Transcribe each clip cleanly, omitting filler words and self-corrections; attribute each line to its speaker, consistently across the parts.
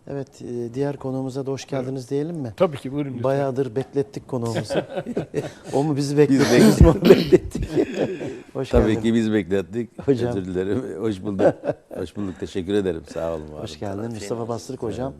Speaker 1: Evet, diğer konuğumuza da hoş geldiniz diyelim mi?
Speaker 2: Tabii ki, buyurun lütfen.
Speaker 1: Bayağıdır beklettik konuğumuzu. O mu bizi bekletti, biz mi onu beklettik? Hoş
Speaker 3: Tabii
Speaker 1: geldin.
Speaker 3: ki biz beklettik.
Speaker 1: Hocam.
Speaker 3: Özür dilerim. Hoş bulduk. Hoş bulduk. Teşekkür ederim. Sağ olun. var
Speaker 1: Hoş
Speaker 3: olun.
Speaker 1: geldin. Mustafa Bastırık hocam.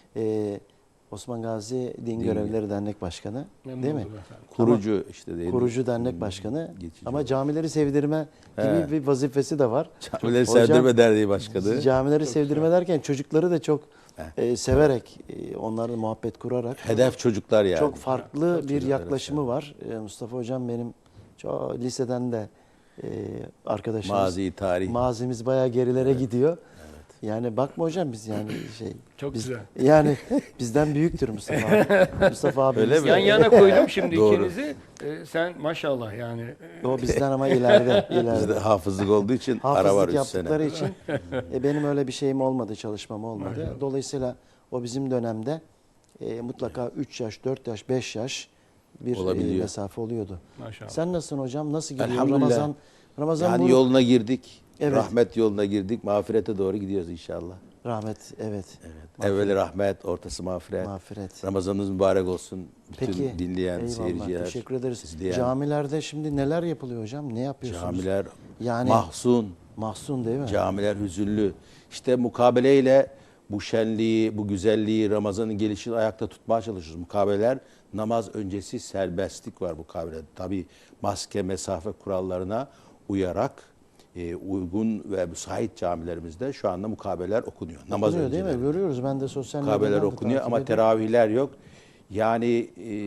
Speaker 1: Osman Gazi Din Görevlileri Dernek Başkanı.
Speaker 2: Memnun
Speaker 1: Değil mi?
Speaker 2: oldum efendim.
Speaker 3: Kurucu işte değil mi?
Speaker 1: Kurucu dernek başkanı.
Speaker 3: Geçici
Speaker 1: Ama
Speaker 3: olarak.
Speaker 1: camileri sevdirme gibi bir vazifesi de var.
Speaker 3: Camileri
Speaker 1: Hocam,
Speaker 3: Sevdirme Derneği Başkanı.
Speaker 1: Camileri sevdirme derken çocukları da çok severek, onlarla muhabbet kurarak.
Speaker 3: Hedef çocuklar yani.
Speaker 1: Çok farklı bir
Speaker 3: çocuklar,
Speaker 1: yaklaşımı var. Mustafa Hocam benim liseden de arkadaşımız.
Speaker 3: Mazi, tarih.
Speaker 1: Mazimiz bayağı gerilere gidiyor. Yani bakma hocam biz yani
Speaker 2: Çok
Speaker 1: biz,
Speaker 2: güzel.
Speaker 1: yani bizden büyüktür Mustafa abi. Mustafa abi.
Speaker 3: Öyle mi?
Speaker 2: Yan yana koydum şimdi
Speaker 3: Doğru.
Speaker 2: ikinizi. Sen maşallah yani.
Speaker 1: O bizden ama ileride.
Speaker 3: Bizde hafızlık olduğu için ara var
Speaker 1: Hafızlık
Speaker 3: 3
Speaker 1: yaptıkları
Speaker 3: sene.
Speaker 1: için benim öyle bir şeyim olmadı, çalışmam olmadı. Dolayısıyla o bizim dönemde mutlaka 3 yaş, 4 yaş, 5 yaş bir
Speaker 3: Olabiliyor.
Speaker 1: mesafe oluyordu.
Speaker 2: Maşallah.
Speaker 1: Sen nasılsın hocam? Nasıl gidiyor
Speaker 3: Elhamdülillah.
Speaker 1: Ramazan
Speaker 3: Yani
Speaker 1: bu
Speaker 3: yoluna girdik.
Speaker 1: Evet.
Speaker 3: Rahmet yoluna girdik. Mağfirete doğru gidiyoruz inşallah.
Speaker 1: rahmet, evet.
Speaker 3: Evveli rahmet, ortası mağfiret.
Speaker 1: Mağfiret.
Speaker 3: Ramazanınız mübarek olsun. Bütün
Speaker 1: Peki.
Speaker 3: dinleyen,
Speaker 1: Eyvallah,
Speaker 3: seyirciler.
Speaker 1: teşekkür ederiz.
Speaker 3: izleyen.
Speaker 1: Camilerde şimdi neler yapılıyor hocam? Ne yapıyorsunuz?
Speaker 3: Camiler
Speaker 1: Yani
Speaker 3: mahzun.
Speaker 1: mahzun değil mi?
Speaker 3: Camiler hüzünlü. İşte mukabeleyle bu şenliği, bu güzelliği, Ramazan'ın gelişini ayakta tutmaya çalışıyoruz. Mukabeleler, namaz öncesi serbestlik var mukabelede. Tabii maske, mesafe kurallarına uyarak uygun ve müsait camilerimizde şu anda mukabeleler okunuyor. Namaz
Speaker 1: Okunuyor değil mi?
Speaker 3: önceleri.
Speaker 1: Görüyoruz. Ben de sosyal
Speaker 3: Mukabeler
Speaker 1: medyadan da
Speaker 3: okunuyor
Speaker 1: takip
Speaker 3: ama
Speaker 1: ediyorum.
Speaker 3: teravihler yok. Yani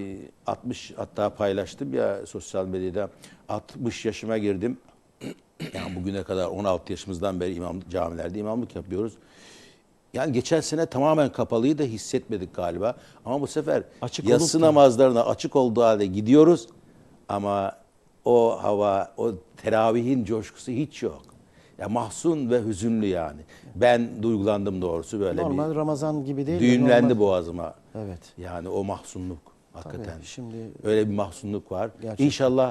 Speaker 3: 60 hatta paylaştım ya sosyal medyada 60 yaşıma girdim. Yani bugüne kadar 16 yaşımızdan beri camilerde imamlık yapıyoruz. Yani geçen sene tamamen kapalıyı da hissetmedik galiba. Ama bu sefer
Speaker 1: Açık
Speaker 3: yatsı
Speaker 1: olup da-
Speaker 3: namazlarına açık olduğu halde gidiyoruz. Ama o hava, o teravihin coşkusu hiç yok. Ya mahzun ve hüzünlü yani. Ben duygulandım doğrusu böyle
Speaker 1: Normal
Speaker 3: bir.
Speaker 1: Ramazan gibi değil de
Speaker 3: Düğümlendi
Speaker 1: normal.
Speaker 3: boğazıma.
Speaker 1: Evet.
Speaker 3: Yani o mahzunluk hakikaten.
Speaker 1: Tabii, şimdi
Speaker 3: Öyle bir mahzunluk var.
Speaker 1: Gerçekten.
Speaker 3: İnşallah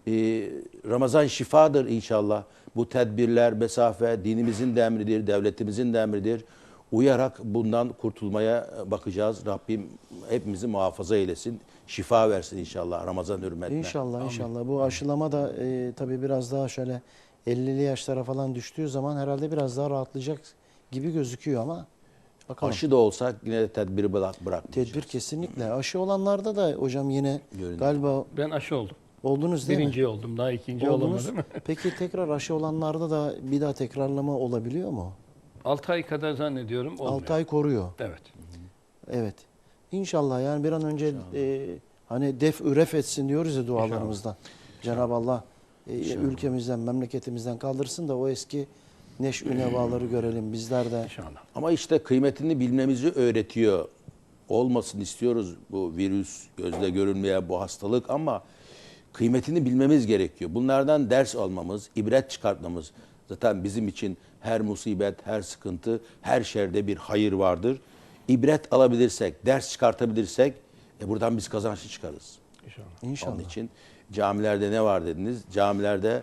Speaker 3: Ramazan şifadır inşallah. Bu tedbirler, mesafe dinimizin de emridir, devletimizin de emridir. Uyarak bundan kurtulmaya bakacağız. Rabbim hepimizi muhafaza eylesin. Şifa versin inşallah Ramazan hürmetine.
Speaker 1: İnşallah inşallah. Bu aşılama da tabii biraz daha şöyle 50'li yaşlara falan düştüğü zaman herhalde biraz daha rahatlayacak gibi gözüküyor ama bakalım.
Speaker 3: Aşı da olsak yine de tedbiri bırakmayacağız.
Speaker 1: Tedbir kesinlikle. Aşı olanlarda da hocam yine
Speaker 3: Görünüyor.
Speaker 1: galiba
Speaker 2: Ben aşı oldum.
Speaker 1: oldunuz değil mi?
Speaker 2: Birinci oldum. Daha ikinci
Speaker 1: Oldunuz.
Speaker 2: olamadım.
Speaker 1: Peki tekrar aşı olanlarda da bir daha tekrarlama olabiliyor mu?
Speaker 2: 6 ay kadar zannediyorum olmuyor.
Speaker 1: 6 ay koruyor.
Speaker 2: Evet.
Speaker 1: Evet. İnşallah yani bir an önce hani ref etsin diyoruz ya dualarımızda. Cenab-ı Allah ülkemizden, memleketimizden kaldırsın da o eski neş'ü nevaları görelim bizler de.
Speaker 2: İnşallah.
Speaker 3: Ama işte kıymetini bilmemizi öğretiyor. Olmasın istiyoruz bu virüs, gözle görünmeyen bu hastalık ama kıymetini bilmemiz gerekiyor. Bunlardan ders almamız, ibret çıkartmamız. Zaten bizim için her musibet, her sıkıntı, her şerde bir hayır vardır. İbret alabilirsek, ders çıkartabilirsek buradan biz kazançlı çıkarız.
Speaker 2: İnşallah.
Speaker 1: İnşallah.
Speaker 3: Onun için camilerde ne var dediniz? Camilerde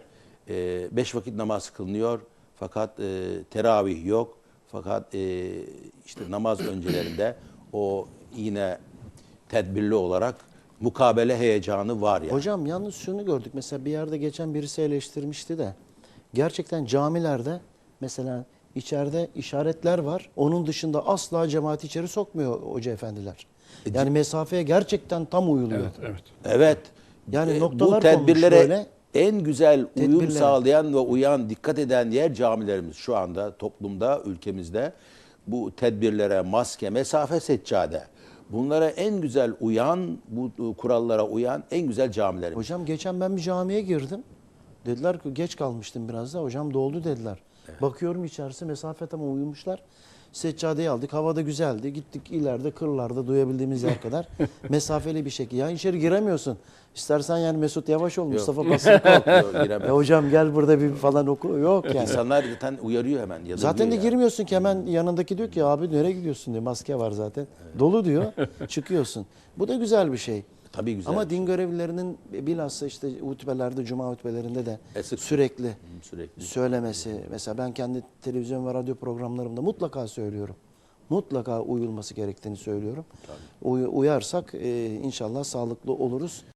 Speaker 3: 5 vakit namaz kılınıyor fakat teravih yok. Fakat işte namaz öncelerinde o yine tedbirli olarak mukabele heyecanı var yani.
Speaker 1: Hocam yalnız şunu gördük. Mesela bir yerde geçen birisi eleştirmişti de gerçekten camilerde mesela içeride işaretler var. Onun dışında asla cemaati içeri sokmuyor hoca efendiler. Yani mesafeye gerçekten tam uyuluyor.
Speaker 2: Evet, evet.
Speaker 3: Evet.
Speaker 1: Yani
Speaker 3: Bu
Speaker 1: noktalar
Speaker 3: tedbirlere
Speaker 1: konmuş böyle.
Speaker 3: en güzel uyum
Speaker 1: Tedbirlere.
Speaker 3: sağlayan ve uyan, dikkat eden yer camilerimiz. Şu anda toplumda, ülkemizde bu tedbirlere, maske, mesafe, seccade. Bunlara en güzel uyan, bu kurallara uyan en güzel camilerimiz.
Speaker 1: Hocam geçen ben bir camiye girdim. Dediler ki geç kalmıştım biraz da. Hocam doldu dediler. Bakıyorum içerisi mesafe tam uyumuşlar. Seccadeyi aldık. Havada güzeldi. Gittik ileride kırlarda duyabildiğimiz yer kadar mesafeli bir şekilde. Ya içeri giremiyorsun. İstersen yani Mesut Yavaş ol, Mustafa Basırık ol.
Speaker 3: Yok, giremez.
Speaker 1: Hocam gel burada bir falan oku. Yok yani.
Speaker 3: İnsanlar zaten uyarıyor hemen. Yadırgıyor
Speaker 1: Zaten de
Speaker 3: yani.
Speaker 1: girmiyorsun ki hemen yanındaki diyor ki abi nereye gidiyorsun diyor. Maske var zaten. Dolu diyor. Çıkıyorsun. Bu da güzel bir şey.
Speaker 3: Tabii güzel.
Speaker 1: Ama din görevlilerinin bilhassa işte hutbelerde, cuma hutbelerinde de
Speaker 3: Sık-
Speaker 1: sürekli
Speaker 3: sürekli.
Speaker 1: söylemesi. Mesela ben kendi televizyon ve radyo programlarımda mutlaka söylüyorum. mutlaka uyulması gerektiğini söylüyorum. Uyarsak inşallah sağlıklı oluruz.